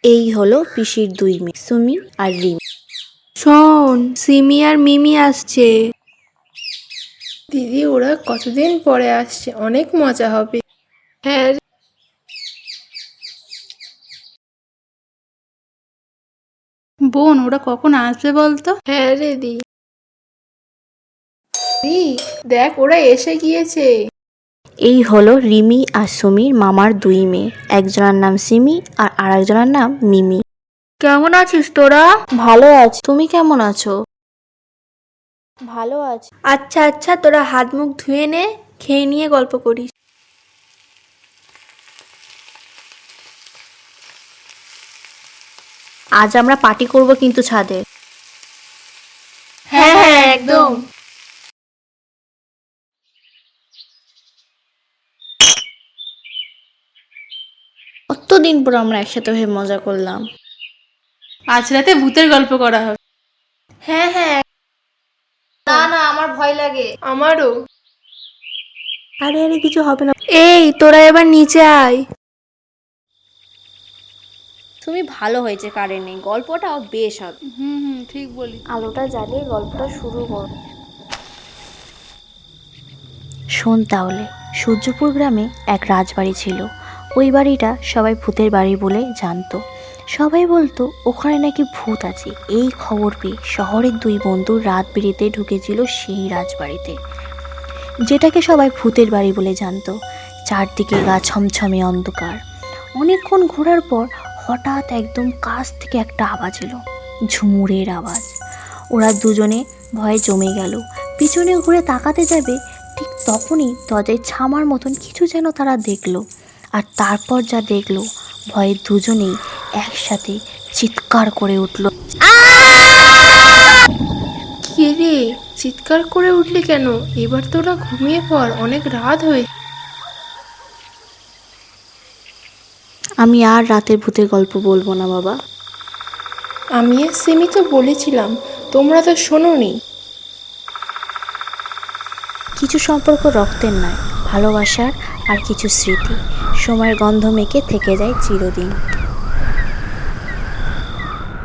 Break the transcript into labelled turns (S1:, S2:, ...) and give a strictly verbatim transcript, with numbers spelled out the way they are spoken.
S1: এই হলো পিসির দুই মেয়ে, সুমি আর রিমি।
S2: শোন, সিমি আর মিমি আসছে।
S3: দিদি, ওরা কতদিন পরে আসছে, অনেক মজা হবে।
S2: হ্যাঁ বোন, ওরা কখন আসবে বলতো?
S3: হ্যাঁ রে দি দি, দেখ ওরা এসে গিয়েছে।
S1: এই হলো রিমি আর সুমির মামার দুই মেয়ে, একজনের নাম সিমি আর আরেকজনের নাম মিমি।
S2: কেমন আছিস তোরা?
S1: ভালো আছি, তুমি কেমন আছো? ভালো আছি।
S2: আচ্ছা আচ্ছা, তোরা হাত মুখ ধুয়ে নে, খেয়ে নিয়ে গল্প করিস।
S1: আজ আমরা পার্টি করব কিন্তু ছাদে।
S2: হ্যাঁ হ্যাঁ একদম।
S1: কতদিন পর আমরা একসাথে হয়ে মজা করলাম।
S2: আজ রাতে ভূতের গল্প করা হবে।
S3: হ্যাঁ হ্যাঁ।
S1: না না, আমার ভয় লাগে।
S3: আমারও।
S1: আরে আরে, কিছু হবে না।
S2: এই তোরা এবার নিচে আয়।
S1: তুমি ভালো হয়েছে কারেন্ট নেই, গল্পটাও বেশ হবে।
S2: হুম হুম ঠিক বলি।
S1: আলোটা জ্বালিয়ে গল্পটা শুরু কর। শোন তাহলে, সূর্যপুর গ্রামে এক রাজবাড়ি ছিল। ওই বাড়িটা সবাই ভূতের বাড়ি বলে জানতো। সবাই বলতো ওখানে নাকি ভূত আছে। এই খবর পেয়ে শহরের দুই বন্ধু রাত বেরিতে ঢুকেছিল সেই রাজবাড়িতে, যেটাকে সবাই ভূতের বাড়ি বলে জানতো। চারদিকে গা ছমছমে অন্ধকার। অনেকক্ষণ ঘোরার পর হঠাৎ একদম কাছ থেকে একটা আওয়াজ এলো, ঝুমুরের আওয়াজ। ওরা দুজনে ভয়ে জমে গেল। পিছনে ঘুরে তাকাতে যাবে, ঠিক তখনই দরজায় ছামার মতন কিছু যেন তারা দেখলো। আর তারপর যা দেখলো, ভয়ে দুজনেই একসাথে চিৎকার করে উঠল।
S3: কি রে, চিৎকার করে উঠলি কেন? এবার তোরা ঘুমিয়ে পড়, অনেক রাত হয়ে।
S1: আমি আর রাতের ভূতের গল্প বলবো না বাবা।
S3: আমি আর সিমি তো বলেছিলাম, তোমরা তো শোনোনি।
S1: কিছু সম্পর্ক রক্তের নয়, ভালোবাসার আর কিছু স্মৃতি সময়ের গন্ধ মেখে থেকে যায় চিরদিন।